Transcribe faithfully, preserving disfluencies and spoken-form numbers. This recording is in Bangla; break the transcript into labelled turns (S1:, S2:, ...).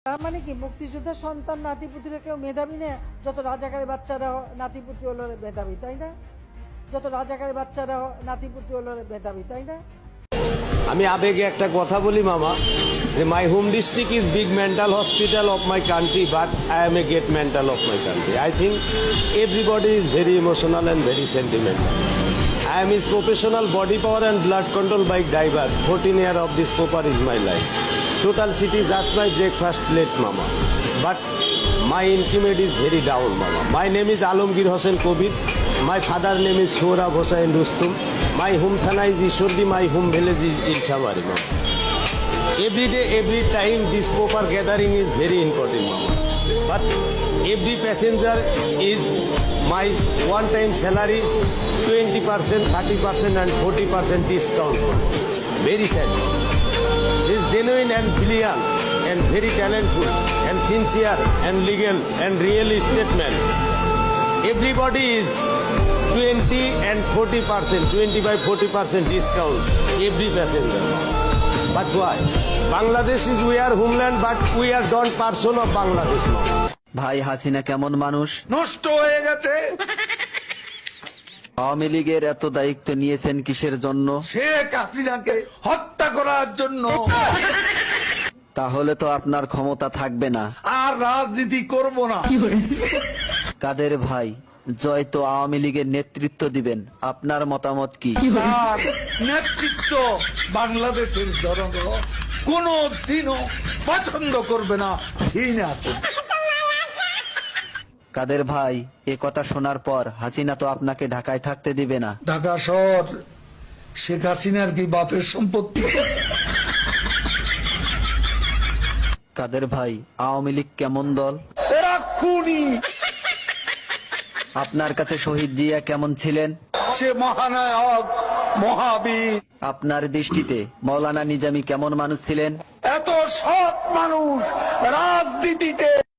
S1: তার মানে কি মুক্তিযোদ্ধার সন্তান নাতিপুতিরা কেউ মেধাবী না? যত রাজাকারের বাচ্চারা নাতিপুতি হলো মেধাবী, তাই না? যত রাজাকারের বাচ্চারা নাতিপুতি হলো মেধাবী, তাই না?
S2: আমি আবেগে একটা কথা বলি মামা, যে my home district is big mental hospital of my country, but I am a great mental of my country. I think everybody is very emotional and very sentimental. I am his professional body power and blood control bike driver. fourteen year of this popper is my life. Total city just my breakfast plate, mama. But my intimate is very down, mama. My name is Alamgir Hossain Kobir. My father name is Sohrab Hossain Rustum. My home thana is Ishordi. My home village is Ilshabari, mama. Every day, every time, this popper gathering is very important, mama. But every passenger is my one-time salary, twenty percent, thirty percent and forty percent discount. Very sad. He is genuine and brilliant and very talented and sincere and legal and real estate man. Everybody is twenty and forty percent, twenty-five, forty percent discount, every passenger. But why? Bangladesh is we are homeland, but we are not person of Bangladesh now.
S3: ভাই হাসিনা কেমন মানুষ?
S4: নষ্ট হয়ে গেছে।
S3: আওয়ামী লীগের এত দায়িত্ব নিয়েছেন কিসের জন্য?
S4: শেখ হাসিনাকে হত্যা করার জন্য।
S3: তাহলে তো আপনার ক্ষমতা থাকবে না।
S4: আর রাজনীতি করব না।
S3: কাদের ভাই, জয় তো আওয়ামী লীগের নেতৃত্ব দিবেন, আপনার মতামত কি?
S4: তার নেতৃত্ব বাংলাদেশের জনগণ কোনো দিনও পছন্দ করবে না, ঘৃণা করবে।
S3: কাদের ভাই, এ কথা শোনার পর হাসিনা তো আপনাকে ঢাকায় থাকতে দিবে না।
S4: ঢাকা শহর শেখ হাসিনার কি বাপের সম্পত্তি?
S3: কাদের ভাই, আওয়ামী লীগ কেমন দল?
S4: এরা খুনি।
S3: আপনার কাছে শহীদ জিয়া কেমন ছিলেন?
S4: সে মহানায়ক, মহাবীর।
S3: আপনার দৃষ্টিতে মৌলানা নিজামী কেমন মানুষ ছিলেন?
S4: এত সৎ মানুষ রাজনীতিতে